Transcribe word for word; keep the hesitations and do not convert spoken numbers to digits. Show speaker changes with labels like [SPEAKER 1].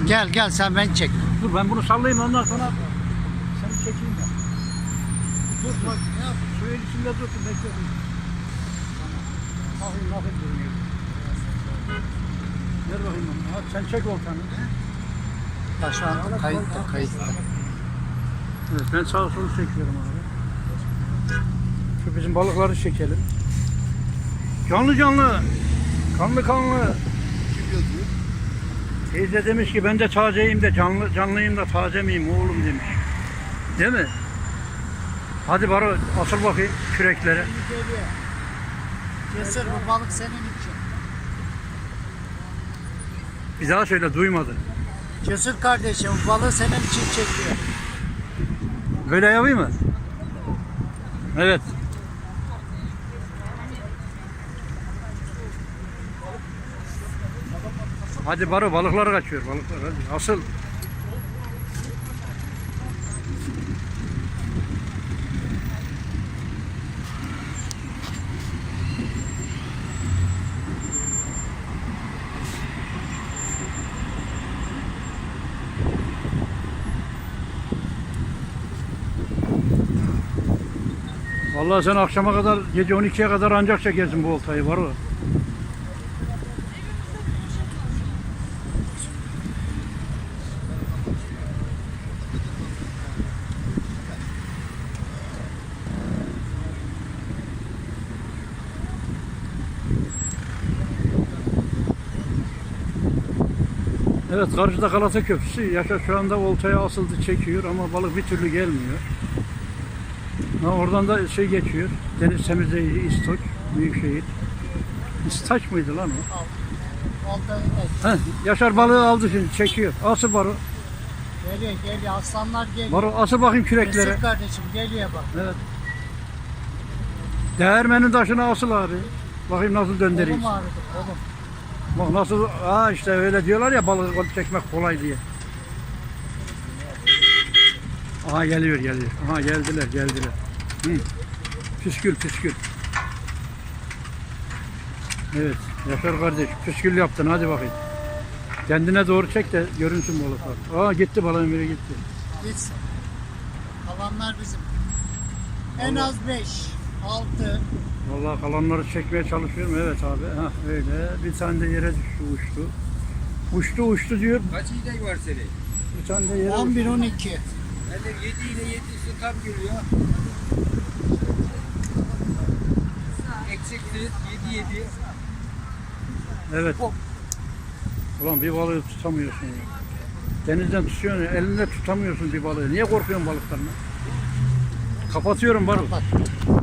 [SPEAKER 1] Gel gel sen beni çek.
[SPEAKER 2] Dur ben bunu sallayayım ondan sonra seni çekeyim ben. Dur bak ne yap? Suyun içinde dursun bekle. Tamam. Bakayım bakayım görünüyor. Ver bakayım onu. Hadi sen çek oltanı.
[SPEAKER 1] Ha, şu an kayıtta kayıtta.
[SPEAKER 2] Evet ben sağa solu çekiyorum abi. Şu bizim balıkları çekelim. Canlı canlı. Kanlı kanlı. Teyze demiş ki ben de tazeyim de canlı canlıyım da taze miyim oğlum demiş. Değil mi? Hadi bari asıl bakayım küreklere.
[SPEAKER 1] Cesur bu balık senin için.
[SPEAKER 2] Bir daha söyle duymadı.
[SPEAKER 1] Cesur kardeşim bu balığı senin için çekiyor.
[SPEAKER 2] Böyle yapayım mı? Evet. Hadi baro balıklar kaçıyor balıklar hadi asıl. Vallahi sen akşama kadar gece on ikiye kadar ancak çekersin bu oltayı baro. Evet karşıda Galata Köprüsü. Yaşar şu anda oltaya asıldı çekiyor ama balık bir türlü gelmiyor. Ha, oradan da şey geçiyor. Deniz temizleyici İstoç, Büyükşehir. İstaç mıydı lan o? Heh, Yaşar balığı aldı şimdi çekiyor. Asıl baro.
[SPEAKER 1] Geliyor geliyor aslanlar geliyor.
[SPEAKER 2] Baro asıl bakayım küreklere.
[SPEAKER 1] Cesur kardeşim geliyor bak.
[SPEAKER 2] Evet. Değirmenin taşına asıl abi. Bakayım nasıl döndüreyim.
[SPEAKER 1] Kolum ağrıdı kolum.
[SPEAKER 2] Bak nasıl, aa işte öyle diyorlar ya balık çekmek kolay diye. Aha geliyor geliyor. Aha geldiler geldiler. Hı. Püskül püskül. Evet Yaşar kardeş püskül yaptın hadi bakayım. Kendine doğru çek de görünsün balıklar. Aa gitti balığın biri gitti.
[SPEAKER 1] Gitsin. Kalanlar bizim. En az beş, altı.
[SPEAKER 2] Vallahi kalanları çekmeye çalışıyorum. Evet abi. Ha öyle. Bir tane de yere düştü uçtu. Uçtu uçtu diyor.
[SPEAKER 3] Kaç iğne var senin?
[SPEAKER 2] Bir tane de yere
[SPEAKER 1] on bir
[SPEAKER 2] uçtu.
[SPEAKER 1] on iki.
[SPEAKER 3] Ben de yedi ile yedisi tam geliyor. Eksiksiz yedi yedi.
[SPEAKER 2] Evet. Ulan bir balığı tutamıyorsun ya. Denizden tutuyorsun ya, elinde tutamıyorsun bir balığı. Niye korkuyorsun balıklarına? Kapatıyorum balık.
[SPEAKER 1] Kapat.